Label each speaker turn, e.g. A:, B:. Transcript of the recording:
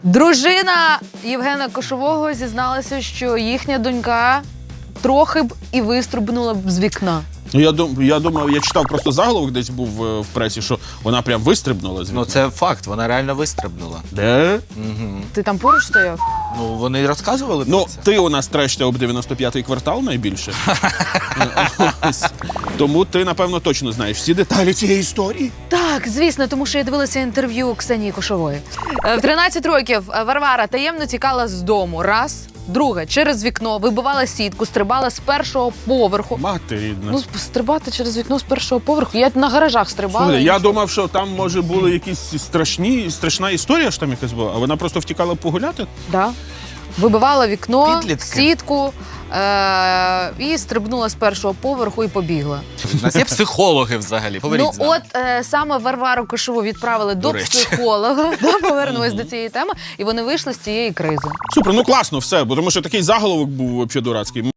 A: Дружина Євгена Кошового зізналася, що їхня донька трохи б і вистрибнула б з вікна.
B: Ну, я думав, я читав просто заголовок, десь був в пресі, що вона прям вистрибнула з вікна.
C: Ну це факт, вона реально вистрибнула.
B: Де?
C: Угу.
A: Ти там поруч стояв?
C: Ну вони розказували про
B: Ну,
C: це.
B: ти у нас трешся об 95-й квартал найбільше. Ось. Тому ти, напевно, точно знаєш всі деталі цієї історії.
A: Так, звісно, тому що я дивилася інтерв'ю Ксенії Кошової. В 13 років Варвара таємно тікала з дому. Раз. Друге, через вікно вибивала сітку, стрибала з першого поверху.
B: Мати рідна.
A: Ну, стрибати через вікно з першого поверху. Я на гаражах стрибала.
B: Слухай,
A: і
B: я
A: що?
B: думав, що там, може, були якісь страшна історія, що там якась була, а вона просто втікала погуляти?
A: Да. Вибивала вікно,
C: Підлітки.
A: сітку і стрибнула з першого поверху і побігла.
C: У нас є психологи взагалі. Говоріть
A: Ну
C: з нами.
A: от саме Варвару Кошову відправили до
C: речі.
A: психолога. Повернулись до цієї теми, і вони вийшли з цієї кризи.
B: Супер, ну класно, все, бо тому що такий заголовок був взагалі дурацький.